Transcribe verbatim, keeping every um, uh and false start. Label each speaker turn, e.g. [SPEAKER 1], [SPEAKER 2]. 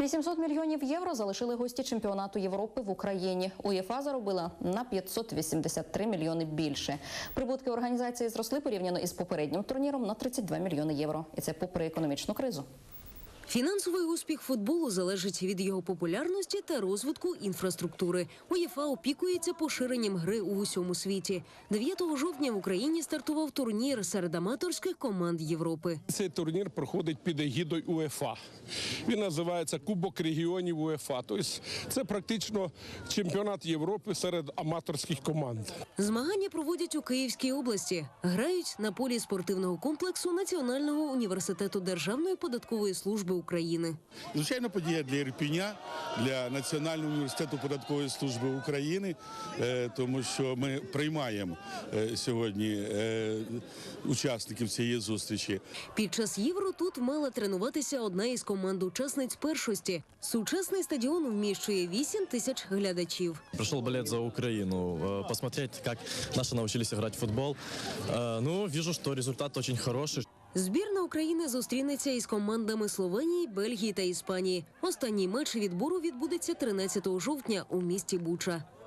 [SPEAKER 1] вісімсот мільйонів євро залишили гості чемпіонату Європи в Україні. УЄФА заробила на п'ятсот вісімдесят три мільйони більше. Прибутки організації зросли порівняно із попереднім турніром на тридцять два мільйони євро. І це попри економічну кризу.
[SPEAKER 2] Фінансовий успіх футболу залежить від його популярності та розвитку інфраструктури. УЄФА опікується поширенням гри у усьому світі. дев'ятого жовтня в Україні стартував турнір серед аматорських команд Європи.
[SPEAKER 3] Цей турнір проходить під егідою УЄФА. Він називається Кубок регіонів УЄФА. Тобто це практично чемпіонат Європи серед аматорських команд.
[SPEAKER 2] Змагання проводять у Київській області. Грають на полі спортивного комплексу Національного університету Державної податкової служби України.
[SPEAKER 4] Звичайно, подія для Ірпеня, для Національного університету податкової служби України, тому що ми приймаємо сьогодні учасників цієї зустрічі.
[SPEAKER 2] Під час Євро тут мала тренуватися одна із команд-учасниць першості. Сучасний стадіон вміщує вісім тисяч глядачів.
[SPEAKER 5] Пришел болеть за Украину, посмотреть, как наши научились играть в футбол. Ну, вижу, что результат очень хороший.
[SPEAKER 2] Збірна України зустрінеться із командами Словенії, Бельгії та Іспанії. Останній матч відбору відбудеться тринадцятого жовтня у місті Буча.